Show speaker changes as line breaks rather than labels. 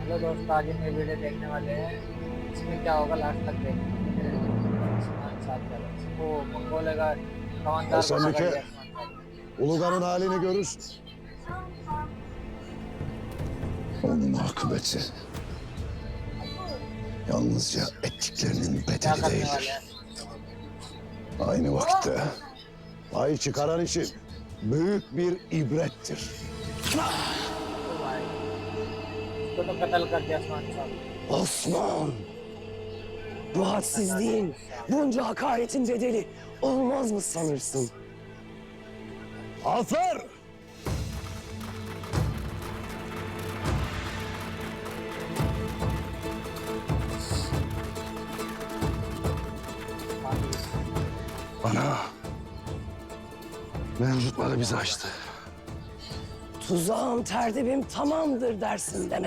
हेलो दोस्त, आज हम ये वीडियो देखने वाले हैं। इसमें क्या होगा लास्ट तक देखना। आसमान साथ चलो। ओ मंगोल का कमांडर को पकड़
Esenlik'e
लिया आसमान।
Ulugan'ın halini görürsün. Onun akıbeti yalnızca ettiklerinin
क्या
bedeli
करने वाले
değildir.
हैं?
Aynı vakitte pay çıkaran için büyük bir ibrettir.
ओ भाई, इसको तो कत्ल कर दिया आसमान साहब।
Osman! Bu hadsizliğin, bunca hakaretin bedeli olmaz mı sanırsın?
Afer! Bana mevcutları bizi açtı.
Tuzağım, terdibim tamamdır dersin demek.